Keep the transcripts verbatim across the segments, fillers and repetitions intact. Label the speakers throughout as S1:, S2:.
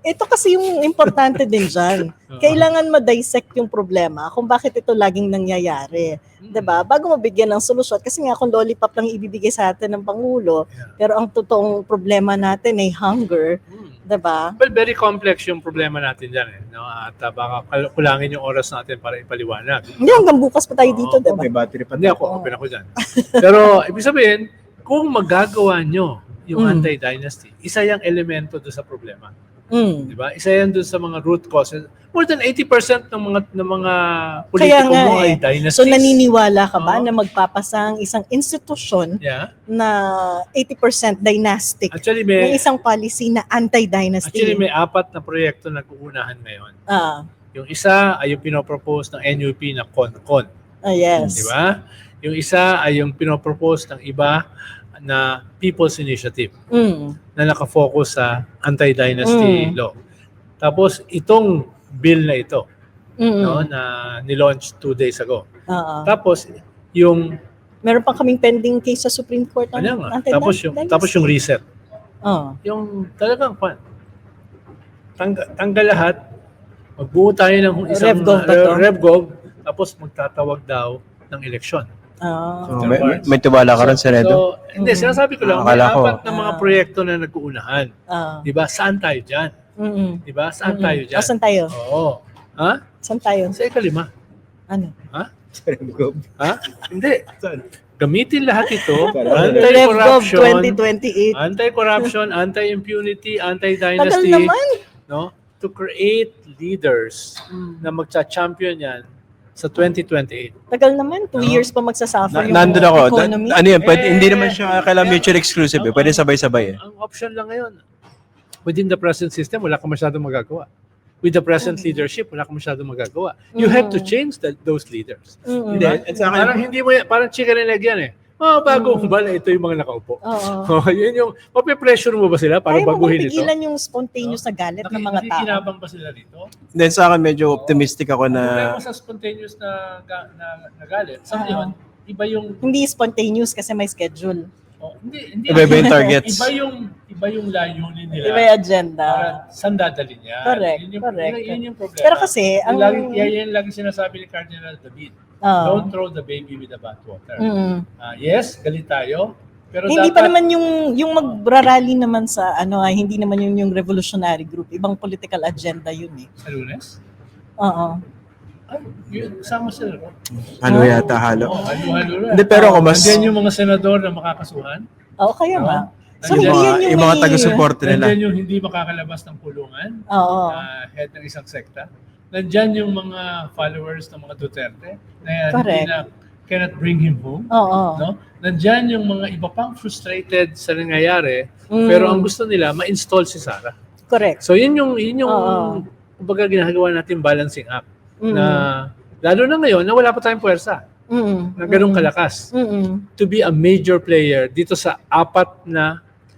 S1: ito kasi yung importante din dyan. Kailangan ma-dissect yung problema kung bakit ito laging nangyayari. Diba? Bago mabigyan ng solusyon. Kasi nga kung lollipop lang ibibigay sa atin ng Pangulo, pero ang totoong problema natin ay hunger. Diba?
S2: Well, very complex yung problema natin dyan. Eh, no? At uh, baka kal- kulangin yung oras natin para ipaliwanag.
S1: Hindi, hanggang bukas pa tayo dito,
S2: Oo,
S1: diba?
S3: May battery pa.
S2: Hindi ako, open ako dyan. Pero ibig sabihin, kung magagawa nyo yung
S1: Mm.
S2: anti-dynasty, isa yung elemento doon sa problema.
S1: Mm.
S2: Di ba? Isa yan doon sa mga root causes. More than eighty percent ng mga ng mga
S1: Kaya
S2: politiko
S1: nga
S2: mo ay
S1: eh.
S2: dynasties.
S1: So naniniwala ka ba
S2: Oo.
S1: na magpapasang isang institusyon
S2: Yeah.
S1: na eighty percent dynastic
S2: Actually,
S1: ng
S2: may
S1: isang policy na anti-dynasty?
S2: actually may apat na proyekto na nag-uunahan ngayon.
S1: Ah,
S2: Yung isa ay yung pinopropose ng N U P na CONCON.
S1: ah, yes.
S2: Di ba? Yung isa ay yung pinopropose ng iba na People's Initiative
S1: Mm.
S2: na nakafocus sa anti-dynasty
S1: Mm.
S2: law. Tapos itong bill na ito
S1: Mm.
S2: no, na nilaunch two days ago.
S1: Oo.
S2: Tapos yung
S1: Meron pa kaming pending case sa Supreme Court ng
S2: ano nga,
S1: anti-dynasty.
S2: tapos yung tapos yung reset.
S1: Oh.
S2: Yung talagang pan. Tanggal, tanggal lahat. Magbuo tayo ng isang
S1: RevGov ba to?
S2: uh, RevGov, tapos magtatawag daw ng eleksyon.
S1: Ah.
S3: So, may, may, may tiwala ka rin, Senedo?
S2: So, hindi,
S1: Mm.
S2: sinasabi ko lang, may
S3: Akala ko.
S2: apat na mga
S1: Ah.
S2: proyekto na nag-uunahan.
S1: Ah.
S2: Di ba? Saan tayo dyan?
S1: Mm-mm.
S2: Di ba? Saan
S1: Mm-mm.
S2: tayo dyan?
S1: Ah, saan tayo?
S2: Oo. Ha?
S1: Saan tayo?
S2: Sa ikalima.
S1: Ano?
S2: Ha?
S3: RevGov.
S2: Ha? Hindi.
S3: Saan?
S2: Gamitin lahat ito.
S3: Para-
S1: RevGov
S2: Anti-corruption,
S1: twenty twenty-eight.
S2: anti-corruption, anti-impunity,
S1: Tagal
S2: anti-dynasty.
S1: naman.
S2: No? To create leaders
S1: Mm.
S2: na magcha-champion yan sa twenty twenty-eight.
S1: Tagal naman. Two
S2: No?
S1: years pa magsasuffer
S3: Na,
S1: yung
S3: nandun ako. Da,
S1: economy.
S3: ano yun? Pwede,
S2: Eh,
S3: hindi naman siya kailangan mutually exclusive. Eh. Pwede sabay-sabay. Eh.
S2: Ang option lang ngayon, within the present system, wala kang masyadong magagawa. With the present leadership, wala kang masyadong magagawa. You have to change the, those leaders.
S1: Mm-mm.
S2: Di ba?
S3: At sa akin-
S2: Parang hindi mo yan, parang chicken and egg yan eh. Oh, bago
S1: Mm.
S2: ba na ito yung mga nakaupo?
S1: Oo.
S2: Oh, yun yung, mape-pressure mo ba sila para
S1: Ayaw mo bang
S2: baguhin ito?
S1: pigilan yung spontaneous na galit ng mga tao?
S2: Nakikinabang ba sila dito?
S3: Then sa akin, medyo optimistic ako
S2: Ang
S3: na...
S2: problema sa spontaneous na, ga- na, na galit, sa
S1: Oo.
S2: ngayon, iba yung,
S1: Hindi spontaneous kasi may schedule.
S2: oh, hindi, hindi,
S3: Iba-iba yung targets.
S2: iba yung, iba yung layunin nila.
S1: Iba yung agenda.
S2: Para saan dadalhin niya.
S1: Correct,
S2: Yun yung,
S1: correct.
S2: Yun, yun yung problema.
S1: Pero kasi, ang...
S2: Ang lagi, yan, yan lagi sinasabi ni Cardinal David.
S1: Oo.
S2: Don't throw the baby with the bathwater.
S1: Mm.
S2: Ah, yes, galit tayo. Pero
S1: Hindi
S2: dapat,
S1: pa naman yung yung magrarally naman sa ano ay hindi naman yung yung revolutionary group. Ibang political agenda yun eh.
S2: sa Lunes?
S1: Oo.
S2: Ay, yun, sama sila. no?
S3: Halo yata, halo.
S2: Oh, halo-halo rin.
S3: Hindi, pero ako mas...
S2: Nandiyan yung mga senador na makakasuhan.
S1: Oo, kaya
S2: Oo.
S1: nga. So,
S2: Nandiyan
S3: Yung
S1: hindi
S3: mga,
S1: yan yung,
S3: yung mga
S1: may-
S3: taga-support nila.
S2: Nandiyan yung hindi makakalabas ng kulungan.
S1: Oo.
S2: na head ng isang sekta. Nandyan yung mga followers ng mga Duterte na
S1: Correct.
S2: hindi na cannot bring him home.
S1: Oo.
S2: No? Nandyan yung mga iba pang frustrated sa nangyayari,
S1: Mm.
S2: pero ang gusto nila, ma-install si Sara.
S1: Correct.
S2: So yun yung, yun yung
S1: Oo.
S2: kumbaga ginagawa natin balancing act.
S1: Mm.
S2: Na, lalo na ngayon, na wala pa tayong puwersa,
S1: Mm.
S2: na ganun
S1: Mm.
S2: kalakas.
S1: Mm.
S2: To be a major player dito sa apat na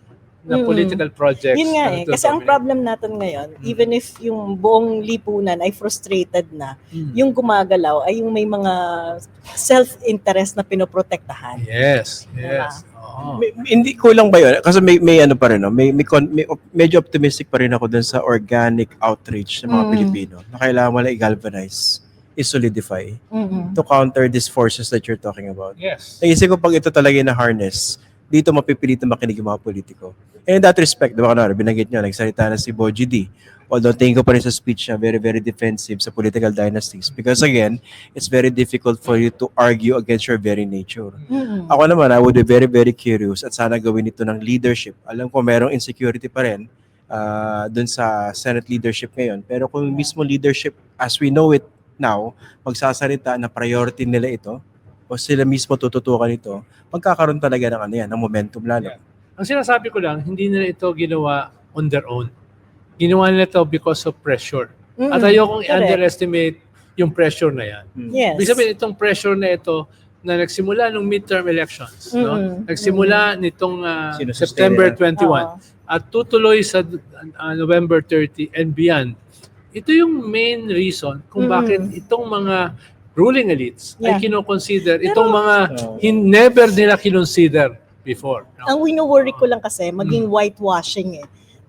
S2: na
S1: Mm.
S2: political projects.
S1: Yun nga
S2: na
S1: eh.
S2: ito
S1: Kasi ang
S2: dominate.
S1: problem natin ngayon, even if yung buong lipunan ay frustrated na,
S2: Mm.
S1: yung gumagalaw ay yung may mga self-interest na pinoprotektahan.
S2: Yes,
S1: Diba?
S2: yes. Oo.
S3: May- hindi kulang ba yun? Kasi may, may ano pa rin, no? may, may, con- may op- medyo optimistic pa rin ako dun sa organic outreach ng mga
S1: Mm.
S3: Pilipino na kailangan mo lang i-galvanize, i-solidify
S1: Mm.
S3: to counter these forces that you're talking about.
S2: Yes.
S3: Naisip ko pag ito talaga yung na-harness, dito mapipilit na makinig yung mga politiko. And in that respect, di ba kanara, binanggit nyo, nagsalita na si Boji D. Although tingin ko pa rin sa speech niya, very, very defensive sa political dynasties. Because again, it's very difficult for you to argue against your very nature.
S1: Mm.
S3: Ako naman, I would be very, very curious at sana gawin ito ng leadership. Alam ko merong insecurity pa rin uh, dun sa Senate leadership ngayon. Pero kung mismo leadership, as we know it now, magsasalita na priority nila ito, o sila mismo tututukan ito, magkakaroon talaga ng ano yan, ng momentum lalo.
S2: Yeah. Ang sinasabi ko lang, hindi nila ito ginawa on their own. Ginawa nila ito because of pressure.
S1: Mm-mm.
S2: At ayokong
S1: Correct.
S2: i-underestimate yung pressure na yan.
S1: Yes.
S2: Ibig sabihin, itong pressure na ito na nagsimula nung midterm elections, no?
S1: Mm-mm.
S2: Nagsimula nitong uh,
S3: Sinusustain
S2: September
S3: nila.
S2: twenty-one
S1: Oo.
S2: at tutuloy sa uh, November thirty and beyond. Ito yung main reason kung
S1: Mm.
S2: bakit itong mga ruling elites
S1: Yeah.
S2: ay kinoconsider
S1: Pero-
S2: itong mga
S3: Oo.
S2: hin- never nila kinonsider before. no?
S1: Ang wino-worry ko lang kasi, maging whitewashing eh.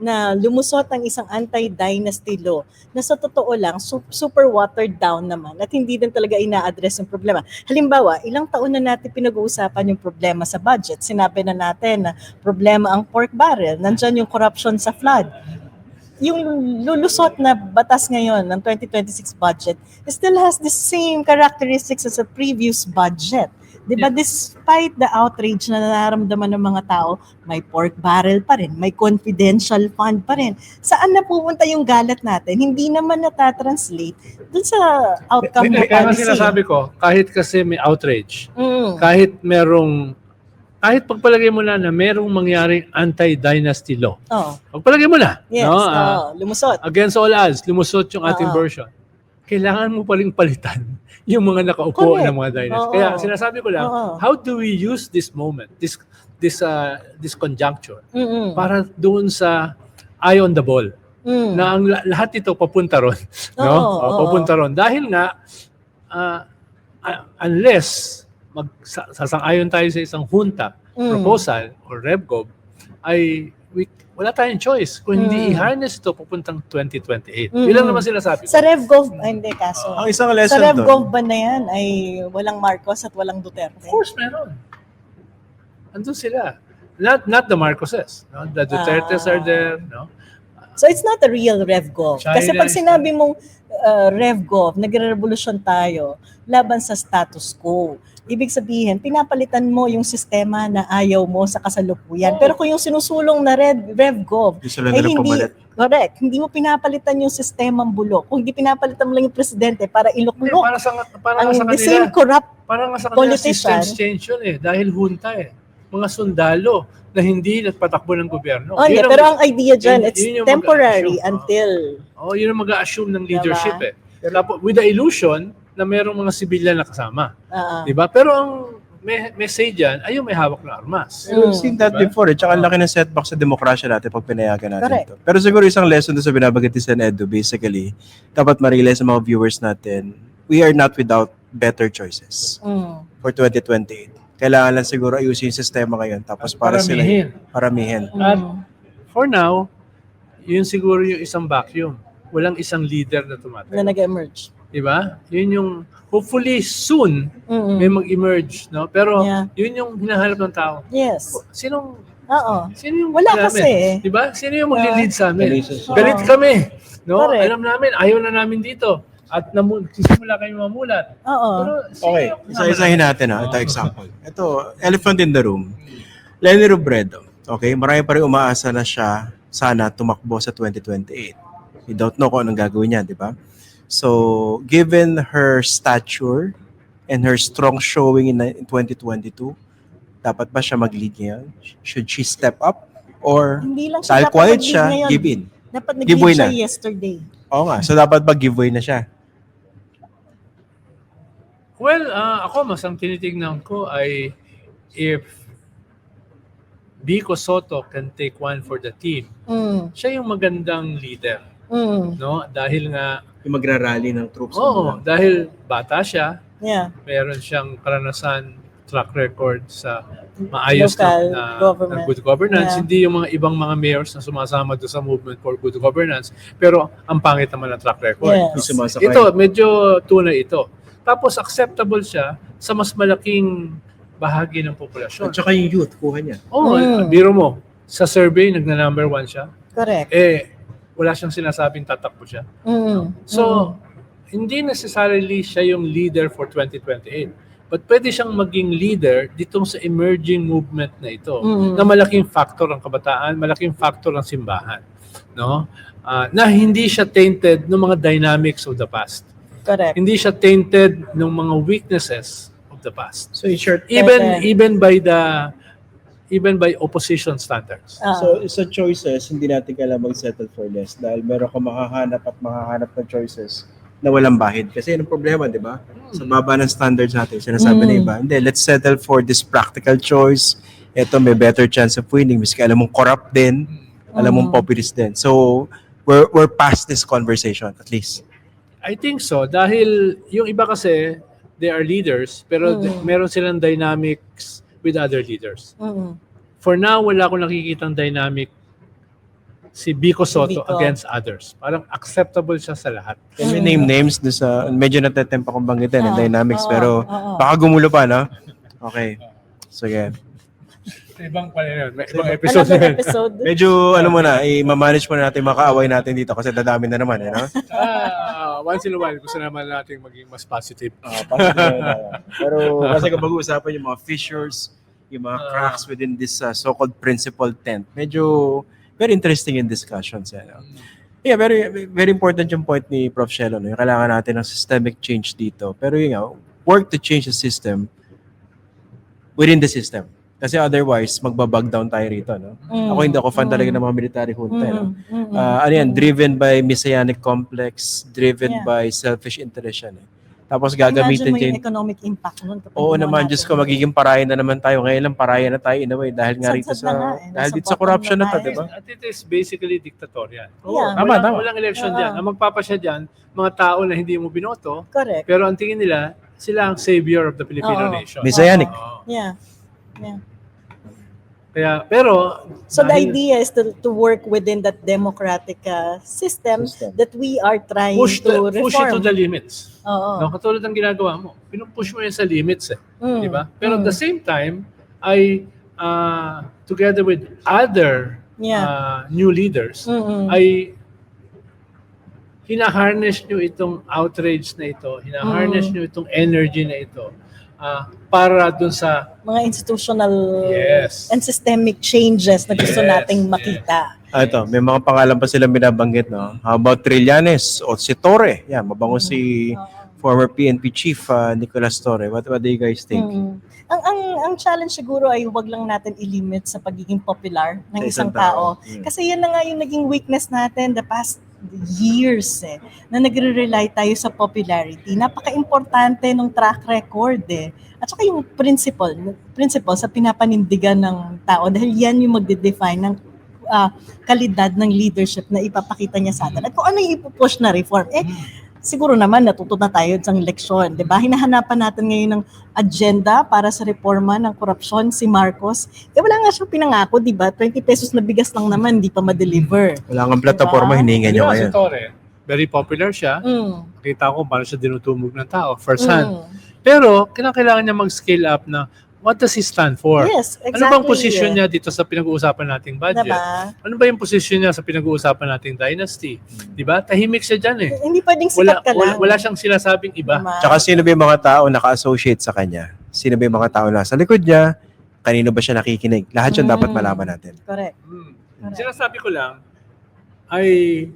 S1: na lumusot ang isang anti-dynasty law na sa totoo lang su- super watered down naman at hindi din talaga ina-address yung problema. Halimbawa, ilang taon na natin pinag-uusapan yung problema sa budget. Sinabi na natin na problema ang pork barrel, nandyan yung corruption sa flood. Yung lulusot na batas ngayon ng twenty twenty-six budget still has the same characteristics as a previous budget. Diba?
S2: Yeah.
S1: Despite the outrage na nararamdaman ng mga tao, may pork barrel pa rin, may confidential fund pa rin. Saan na pupunta yung galat natin? Hindi naman natatranslate dun sa outcome ng
S2: Kaya nga
S1: policy.
S2: sinasabi ko, kahit kasi may outrage,
S1: Mm.
S2: kahit merong, kahit pagpalagay mo na na merong mangyaring anti-dynasty law,
S1: Oh,
S2: pagpalagay mo na,
S1: yes,
S2: no? Ah,
S1: oh, lumusot.
S2: against all odds, lumusot yung ating
S1: Oo.
S2: version. Kailangan mo paling palitan yung mga nakaupo
S1: Correct.
S2: ng mga dynasty.
S1: Oo.
S2: Kaya sinasabi ko lang,
S1: Oo.
S2: how do we use this moment, this this uh, this conjuncture
S1: Mm-mm.
S2: para doon sa eye on the ball
S1: Mm.
S2: na ang la- lahat ito papunta ron, no?
S1: Oo,
S2: O,
S1: oo.
S2: papunta ron dahil nga ah, ah, unless mag sa- sasang-ayon tayo sa isang junta
S1: Mm.
S2: proposal or RevGov ay we, wala tayong choice kung hindi
S1: Mm.
S2: i-harness ito papuntang twenty twenty-eight.
S1: Mm.
S2: Yun lang naman sinasabi ko.
S1: Sa RevGov, ay, hindi kaso.
S3: Ang isang
S1: Sa
S3: lesson
S1: RevGov
S3: doon,
S1: ba na yan ay walang Marcos at walang Duterte?
S2: Of course, meron. Andun sila. Not not the Marcoses. No? The Dutertes
S1: Ah.
S2: are there. No?
S1: So it's not a real RevGov. Kasi
S2: China
S1: pag
S2: is
S1: sinabi mong uh, RevGov, nagre-revolusyon tayo laban sa status quo. Ibig sabihin, pinapalitan mo yung sistema na ayaw mo sa kasalukuyan.
S2: Oo.
S1: Pero kung yung sinusulong na Rev, RevGov,
S3: gusto lang
S1: ay
S3: nila
S1: hindi,
S3: pumalit.
S1: correct, hindi mo pinapalitan yung sistemang bulok. Kung hindi pinapalitan mo lang yung presidente para
S2: Hindi,
S1: iluklok
S2: para sa, para
S1: ang
S2: nga sa
S1: the same
S2: kanila.
S1: corrupt.
S2: Para nga sa kanila
S1: politician.
S2: systems change yun eh. Dahil junta eh. Mga sundalo na hindi nagpatakbo ng gobyerno.
S1: Oh, yeah,
S2: Yun ang-
S1: pero ang idea dyan,
S2: yun-
S1: it's
S2: yun yung
S1: temporary
S2: mag-assume.
S1: until...
S2: Oh, yun ang mag-a-assume ng leadership
S1: Diba?
S2: eh. Tapos, with the illusion na merong mga sibilyan na kasama.
S1: Uh,
S2: Di ba? Pero ang may message dyan, ay yung may hawak na armas.
S3: We've
S1: Mm.
S3: seen that
S2: Diba?
S3: before eh. Tsaka ang laki ng setback sa demokrasya natin pag pinayagan natin
S1: Correct.
S3: ito. Pero siguro isang lesson doon sa binabanggit ni Sen Edu, basically, dapat ma-realize sa mga viewers natin, we are not without better choices
S1: mm,
S3: for twenty twenty-eight. Kailangan lang siguro ayusin yung sistema ngayon tapos para sila
S2: Paramihin.
S3: paramihin.
S2: At
S1: mm.
S2: for now, yun siguro yung isang vacuum. Walang isang leader na tumatakbo.
S1: na nag-emerge.
S2: Diba? Yun yung, hopefully soon,
S1: Mm-mm.
S2: may mag-emerge. No? Pero
S1: Yeah.
S2: yun yung hinahanap ng tao.
S1: Yes.
S2: Sinong,
S1: Oo.
S2: sino yung
S1: Wala
S2: namin?
S1: kasi eh.
S2: Diba? Sino yung mag-lead sa amin?
S3: Oo.
S2: Galit kami. No?
S1: Correct.
S2: Alam namin, ayaw na namin dito. At namu- sisimula kayo mamulat.
S1: Oo.
S2: Pero, sino
S3: Okay,
S2: yung-
S3: isa-isahin natin ha. Ito example. Ito, elephant in the room. Lenny Robredo. Okay, marami pa rin umaasa na siya sana tumakbo sa twenty twenty-eight. We don't know kung anong gagawin niya, di ba? So, given her stature and her strong showing in, in twenty twenty-two, dapat ba siya mag-lead ngayon? Should she step up? Or
S1: Hindi lang siya
S3: dahil
S1: dapat
S3: quiet
S1: nag-lead
S3: siya,
S1: ngayon.
S3: give in?
S1: Dapat nag-lead
S3: Giveaway
S1: siya
S3: na.
S1: yesterday.
S3: Oo nga, so dapat ba giveaway na siya?
S2: Well, ah, ako, mas ang tinitignan ko ay if Vico Soto can take one for the team,
S1: Mm.
S2: siya yung magandang leader.
S1: Mm.
S2: No? Dahil nga,
S3: Yung magrarally ng troops.
S2: oo, dahil bata siya,
S1: Yeah.
S2: meron siyang karanasan, track record sa maayos
S1: Local
S2: na, na,
S1: government.
S2: na good governance.
S1: Yeah.
S2: Hindi yung mga ibang mga mayors na sumasama doon sa movement for good governance. Pero ang pangit naman ng track record.
S1: Yes.
S3: Yung sumasakay.
S2: Ito, medyo tunay ito. Tapos acceptable siya sa mas malaking bahagi ng populasyon.
S3: At saka yung youth, kuha niya.
S2: Oo,
S1: Mm.
S2: biro mo, sa survey, nagna-number one siya.
S1: Correct.
S2: Eh, wala siyang sinasabing tatakbo siya.
S1: Mm.
S2: So, hindi necessarily siya yung leader for twenty twenty-eight. But pwede siyang maging leader ditong sa emerging movement na ito.
S1: Mm.
S2: Na malaking factor ang kabataan, malaking factor ang simbahan. No? Ah, na hindi siya tainted ng mga dynamics of the past.
S1: Correct.
S2: Hindi siya tainted ng mga weaknesses of the past.
S3: So in short,
S2: Even
S1: Correct.
S2: even by the even by opposition standards.
S1: Ah.
S3: so sa choices, hindi natin kailangan mag-settle for less dahil meron ka makahanap at makahanap ng choices na walang bahid. Kasi yun ang problema, di ba? Sa baba ng standards natin, sinasabi
S1: Mm.
S3: na iba, hindi, let's settle for this practical choice. Ito, may better chance of winning. Miski alam mong corrupt din, alam mong
S1: Mm.
S3: populist din. So, we're, we're past this conversation, at least.
S2: I think so dahil yung iba kasi they are leaders pero
S1: Mm.
S2: th- meron silang dynamics with other leaders.
S1: Mm.
S2: For now wala akong nakikitang dynamic si Vico Soto
S1: Vico.
S2: against others. Parang acceptable siya sa lahat.
S3: Can we name names doon sa, medyo natetempa kong banggitin, yung
S1: Ah,
S3: dynamics,
S1: oo,
S3: pero
S1: oo.
S3: baka gumulo pa, no? Okay. Sige.
S2: Ibang pala yun. May ibang episode
S1: Another
S2: na yun.
S1: episode.
S3: Medyo, ano muna, i-manage muna natin mga kaaway natin dito kasi dadami na naman, eh, no?
S2: Ah, once in a while, gusto naman natin maging mas positive.
S3: Ah, positive na yun, ah. Pero kasi kung mag-uusapan yung mga fissures, yung mga cracks within this uh, so-called principal tent, medyo very interesting in discussions. Eh, no? Yeah, very very important yung point ni Prof Shelo. No? Yung kailangan natin ng systemic change dito. Pero yun nga, work to change the system within the system. Kasi otherwise, magbabag down tayo rito. No?
S1: Mm,
S3: Ako hindi ako fan
S1: mm.
S3: talaga ng mga military junta. No?
S1: Mm, mm, mm,
S3: Uh, ano yan,
S1: mm.
S3: driven by messianic complex, driven
S1: Yeah.
S3: by selfish interest yan. Eh. Tapos
S1: Imagine
S3: gagamitin
S1: mo yung
S3: din.
S1: economic impact nun. kapag
S3: Oo
S1: ginawa
S3: naman,
S1: natin
S3: Diyos ko,
S1: yun.
S3: magiging parayan na naman tayo. Ngayon lang parayan na tayo in a way dahil nga rito
S1: Sadsad na nga
S3: sa
S1: eh.
S3: dahil
S1: Nasa
S3: dito sa
S1: bottom
S3: corruption
S1: na
S3: na to,
S1: tayo.
S3: di ba?
S2: At it is basically dictatorial.
S1: Yeah.
S3: Tama,
S2: walang,
S3: tama.
S2: walang election
S1: Oo.
S2: dyan. Ang magpapasya dyan, mga tao na hindi mo binoto,
S1: Correct.
S2: pero ang tingin nila, sila ang savior of the Filipino
S1: Oo.
S2: nation.
S3: Messianic.
S2: Oo.
S1: Yeah. Yeah.
S2: Kaya, pero,
S1: So the
S2: dahil
S1: idea is to, to work within that democratic uh, system,
S3: System.
S1: that we are trying
S2: push,
S1: to
S2: the, push it to
S1: reform.
S2: the limits.
S1: Oo.
S2: No, katulad ng ginagawa mo. Pinupush mo yan sa limits eh.
S1: Mm.
S2: Di ba? Pero at
S1: Mm.
S2: the same time, ay uh, together with other
S1: Yeah.
S2: uh, new leaders,
S1: Mm-mm.
S2: ay hinaharness nyo itong outrage na ito, hinaharness
S1: Mm.
S2: nyo itong energy na ito ah, para dun sa
S1: Mga institutional
S2: Yes.
S1: and systemic changes na gusto
S2: Yes,
S1: nating
S2: yes.
S1: makita.
S3: Ah, ito, may mga pangalan pa silang binabanggit, no? How about Trillanes o si Torre? Yan, mabango si former P N P chief uh, Nicolas Torre. What, what do you guys think?
S1: Mm. Ang ang ang challenge siguro ay huwag lang natin i-limit sa pagiging popular ng
S3: Sa
S1: isang
S3: isang
S1: tao.
S3: tao. Mm.
S1: Kasi yan na nga yung naging weakness natin the past years eh, na nagre-rely tayo sa popularity. Napaka-importante ng track record eh. At saka yung principle, principle sa pinapanindigan ng tao dahil yan yung magde-define ng ah, kalidad ng leadership na ipapakita niya sa atin. At kung ano yung ipupush na reform, eh, siguro naman natuto na tayo sa leksyon, di ba? Hinahanapan natin ngayon ng agenda para sa reforma ng korupsyon si Marcos. Eh wala nga siyang pinangako, di ba? twenty pesos na bigas lang naman, hindi pa ma-deliver.
S3: Wala kang plataforma,
S1: Diba?
S3: hiningan
S2: Di
S3: nyo
S2: ba, si
S3: ngayon.
S2: Torre. Very popular siya.
S1: Mm.
S2: Nakita ko paano siya dinutumog ng tao, first hand.
S1: Mm.
S2: Pero, kailangan niya mag-scale up na what does he stand for?
S1: Yes, exactly.
S2: Ano bang position niya dito sa pinag-uusapan nating budget?
S1: Diba?
S2: Ano ba yung position niya sa pinag-uusapan nating dynasty? Di ba? Tahimik siya dyan eh.
S1: Hindi pwedeng
S2: Wala,
S1: sikat ka
S2: wala,
S1: lang.
S2: wala siyang sinasabing iba.
S1: Diba?
S3: Tsaka sino ba yung mga tao naka-associate sa kanya? Sino ba yung mga tao na sa likod niya? Kanino ba siya nakikinig? Lahat yun
S1: Mm.
S3: dapat malaman natin.
S1: Correct.
S2: Hmm.
S1: Correct.
S2: Sinasabi ko lang ay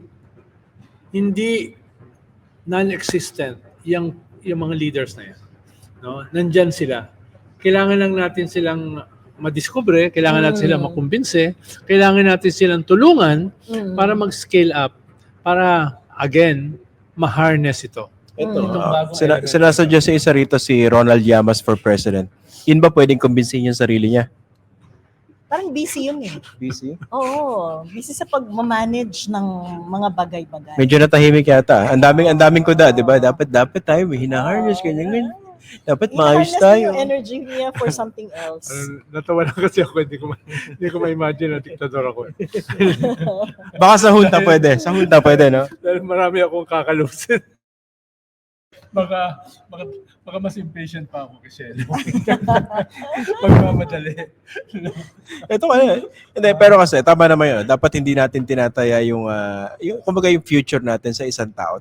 S2: hindi non-existent yung, yung mga leaders na yan. No? Nandyan sila. Kailangan lang natin silang madiskubre, kailangan natin
S1: Mm.
S2: silang makumbinse, kailangan natin silang tulungan
S1: Mm.
S2: para mag-scale up, para, again, ma-harness ito.
S3: Ito,
S2: Itong
S3: uh,
S2: bagong
S3: sina-
S2: element.
S3: sinasadya sa isa rito si Ronald Llamas for president. Yun ba pwedeng kumbinsihin yung sarili niya?
S1: Parang busy yun eh.
S3: Busy?
S1: Oo, busy sa pag-manage ng mga bagay-bagay.
S3: Medyo natahimik yata. Ang daming ang daming kuda, 'di ba? Dapat dapat tayo may hina-harness ganyan ganyan. Dapat maayos
S1: I-harness na
S3: tayo.
S1: yung energy niya for something else.
S2: Uh, natawa lang kasi ako, hindi ko, ma- hindi ko ma-imagine na diktador ako.
S3: Baka sa junta pwede. Sa junta pwede, no?
S2: Dahil marami akong kakalusin. Baka, baka, baka mas impatient pa ako kasi. Magmamadali.
S3: Ito ano. Hindi, pero kasi tama naman 'yun. Dapat hindi natin tinataya yung ah, yung kumbaga yung future natin sa isang tao.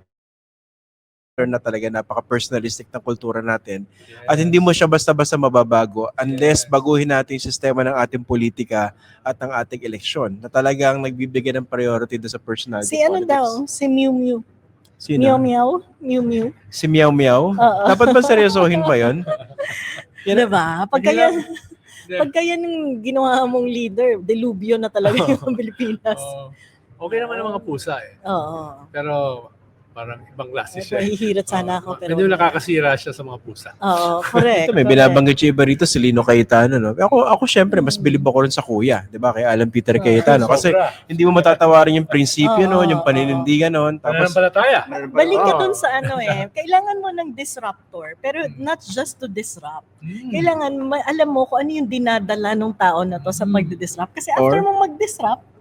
S3: Na talaga napaka-personalistic ng kultura natin. At hindi mo siya basta-basta mababago unless baguhin natin yung sistema ng ating politika at ng ating eleksyon na talagang nagbibigay ng priority doon sa personality
S1: Si ano
S3: politics.
S1: daw, si Mew Mew.
S3: Sino?
S1: Meow Meow? Mew Mew?
S3: Si Meow Meow?
S1: Oo.
S3: Dapat ba seryosohin pa yun?
S1: Diba? Pagka
S2: Hindi
S1: yan,
S2: lang-
S1: pagka yan yung ginawa mong leader, delubyo na talaga yung Pilipinas.
S2: Oo. Okay naman ang mga pusa eh.
S1: Oo.
S2: Pero parang ibang klase siya. eh.
S1: Mahihirat sana ako. Pero
S2: Medyo nakakasira siya sa mga pusa.
S1: Oo, correct.
S3: Ito, may
S1: correct.
S3: binabanggit siya iba rito, si Lino Cayetano. No? Ako, ako syempre, mas bilib ako rin sa kuya. Di ba? Kay Alan Peter Cayetano. Kasi
S2: Sobra.
S3: hindi mo matatawarin yung prinsipyo
S1: Oo,
S3: noon, yung
S1: oo.
S3: paninindigan noon. Tapos,
S2: Pananampalataya.
S1: Balik ka
S2: Oo.
S1: dun sa ano eh, kailangan mo ng disruptor, pero not just to disrupt.
S2: Hmm.
S1: Kailangan, ma- alam mo kung ano yung dinadala ng tao na to sa
S2: Mm.
S1: pagdi-disrupt. Kasi after
S3: Or-
S1: mo mag-disrupt,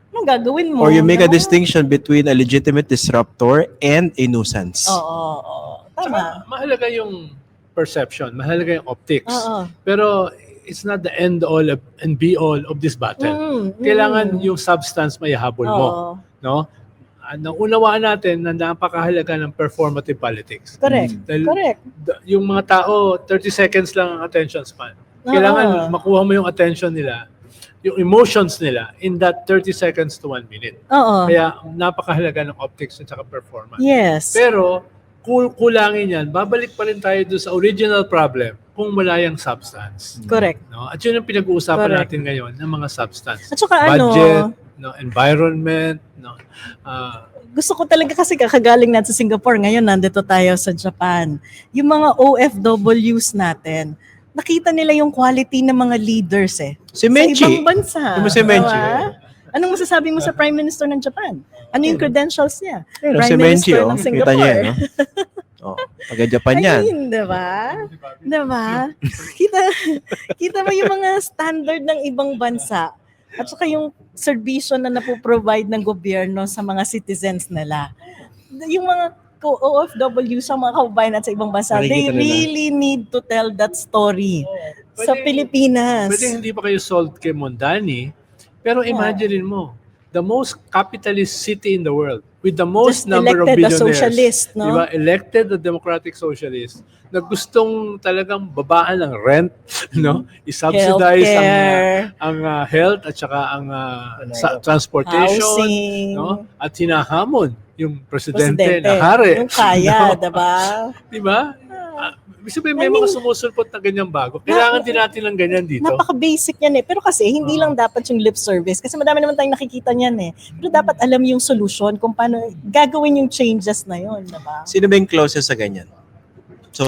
S1: Anong gagawin mo?
S3: Or you make a
S1: no?
S3: distinction between a legitimate disruptor and a nuisance.
S1: Oo, oo, oo. Tama.
S2: Saka, mahalaga yung perception, mahalaga yung optics.
S1: Oo.
S2: Pero it's not the end all of- and be all of this battle.
S1: Mm, mm.
S2: Kailangan yung substance may habol mo,
S1: Oo.
S2: no? Ano, unawaan natin na napakahalaga ng performative politics.
S1: Correct.
S2: Dahil
S1: Correct.
S2: d- yung mga tao, thirty seconds lang ang attention span. Kailangan
S1: Oo.
S2: makuha mo yung attention nila, yung emotions nila in that thirty seconds to one minute.
S1: Oo.
S2: Kaya napakahalaga ng optics at saka performance.
S1: Yes.
S2: Pero kul kulangin yan, babalik pa rin tayo doon sa original problem kung wala yung substance.
S1: Correct.
S2: No? At yun ang pinag-uusapan
S1: Correct.
S2: natin ngayon ng mga substance.
S1: At saka ano,
S2: Budget, no, environment, no. ah,
S1: gusto ko talaga kasi kakagaling natin sa Singapore. Ngayon, nandito tayo sa Japan. Yung mga O F Ws natin, nakita nila yung quality ng mga leaders eh.
S3: Si
S1: Sa
S3: Menchi.
S1: ibang bansa.
S3: Yung si Menchi.
S1: Diba? Anong masasabi mo sa Prime Minister ng Japan? Ano yung credentials niya?
S3: Ayun,
S1: Prime
S3: si Menchi,
S1: Minister
S3: oh.
S1: ng
S3: Kita
S1: Singapore.
S3: niya, no? Oh, taga-Japan
S1: I
S3: yan.
S1: mean, diba? Diba? Kita, kita mo yung mga standard ng ibang bansa at saka yung serbisyo na napoprovide ng gobyerno sa mga citizens nila. Yung mga ko- O F W sa mga kababayan at sa ibang bansa, they
S3: Nakikita nila.
S1: really need to tell that story sa
S2: Pwede-
S1: Pilipinas.
S2: Pwede hindi pa kayo sold kay Mondani, pero imagine mo, the most capitalist city in the world with the most
S1: Just
S2: number of
S1: elected a
S2: billionaires.
S1: socialist, no?
S2: Diba? Elected a democratic socialist na gustong talagang babaan ng rent, no? I-subsidize ang,
S1: Healthcare,
S2: ang uh, health at saka ang uh, sa- transportation,
S1: housing,
S2: no? At hinahamon yung presidente,
S1: presidente.
S2: na hari.
S1: Yung kaya,
S2: No?
S1: diba?
S2: Di ba? Ah, ibig sabihin, may
S1: I mean,
S2: mga sumusulpot na ganyang bago. Kailangan din natin ng ganyan dito.
S1: Napaka-basic yan eh. Pero kasi hindi lang dapat yung lip service. Kasi madami naman tayong nakikita niyan eh. Pero dapat alam yung solution kung paano gagawin yung changes na yun. Diba?
S3: Sino ba yung closest sa ganyan? So,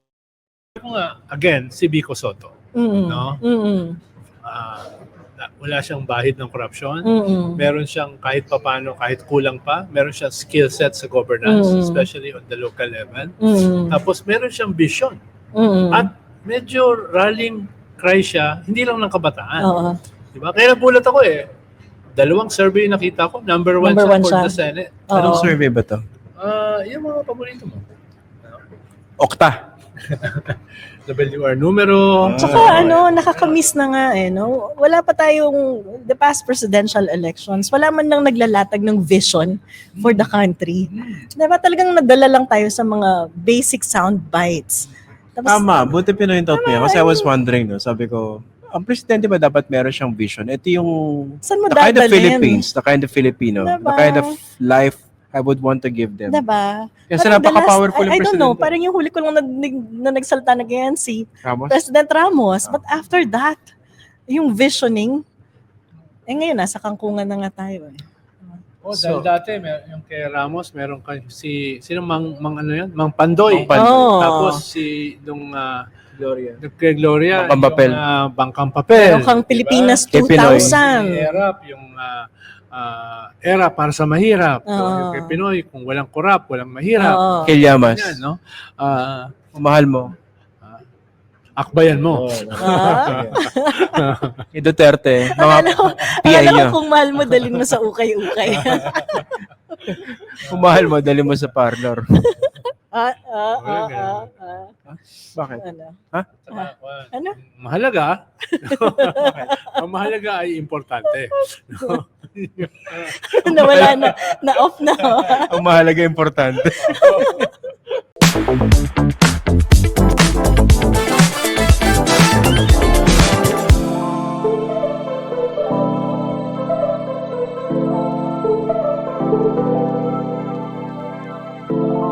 S2: Ako nga, again, si Vico Soto.
S1: Mm-mm.
S2: No?
S1: Mm-mm.
S2: Ah, na- wala siyang bahid ng korupsyon.
S1: Mm-mm.
S2: Meron siyang kahit papano, kahit kulang pa, meron siyang skill set sa governance,
S1: Mm.
S2: especially on the local level.
S1: Mm-mm.
S2: Tapos meron siyang vision.
S1: Mm-mm.
S2: At medyo rallying cry siya, hindi lang ng kabataan.
S1: Oo.
S2: Diba? Kaya nagulat ako eh. Dalawang survey nakita ko, number one
S1: Number
S2: siya
S1: one
S2: for
S1: siya.
S2: the Senate.
S1: Oo.
S3: anong survey ba to?
S2: Ah, yung mga paborito mo.
S3: Okta.
S2: W R numero.
S1: Tsaka ano, nakakamiss na nga eh, no? Wala pa tayong, the past presidential elections, wala man lang naglalatag ng vision for the country. Diba talagang nadala lang tayo sa mga basic sound bites. Tapos,
S3: Tama, buti pinoint out mo yan. Kasi I was wondering, no? Sabi ko, ang presidente ba dapat meron siyang vision? Ito yung
S1: saan mo
S3: the kind of
S1: dadalhin?
S3: Philippines, the kind of Filipino, the
S1: Diba?
S3: kind of life I would want to give them.
S1: Diba?
S3: Kasi
S1: Parang the
S3: napaka-powerful
S1: last-
S3: yung
S1: I, I don't know,
S3: presidente.
S1: parang yung huli ko lang nag, na nagsalta na ganyan si
S3: Ramos?
S1: President Ramos. But after that, yung visioning, eh ngayon, nasa kangkungan na nga tayo eh.
S2: Oh,
S3: So-
S2: dahil dati, mer- yung kay Ramos, meron ka si, sino mang, mang ano yan? Mang Pandoy.
S3: Mang Pandoy.
S1: Oh.
S2: Tapos si, nung, uh,
S3: Gloria.
S2: kay Gloria,
S3: Bangkang Papel.
S2: yung uh, Bangkang Papel.
S1: Meron kang Pilipinas
S3: Kay
S1: two
S3: Pinoy.
S2: Si
S1: thousand.
S2: Erap, yung uh, uh, era para sa mahirap. So,
S1: Oo.
S2: yung kay Pinoy, kung walang korap, walang mahirap.
S1: Oo.
S3: Kay Llamas.
S2: Yan, no? Ah,
S3: Mahal mo.
S2: akbayan mo.
S1: Ah?
S3: Kay Duterte. Mga
S1: Akala ko,
S3: P I
S1: akala
S3: niya.
S1: ko kung mahal mo, dalhin mo sa ukay-ukay.
S3: Kung mahal mo, dali mo sa parlor.
S1: ah, ah, ah,
S2: Wala
S1: ah,
S2: ganun.
S1: ah.
S3: Bakit?
S1: Ano?
S2: Saka, uh,
S1: Ano?
S2: Mahalaga. Ang mahalaga ay importante.
S1: Nawala na, na-off na. oh.
S3: Ang mahalaga, importante.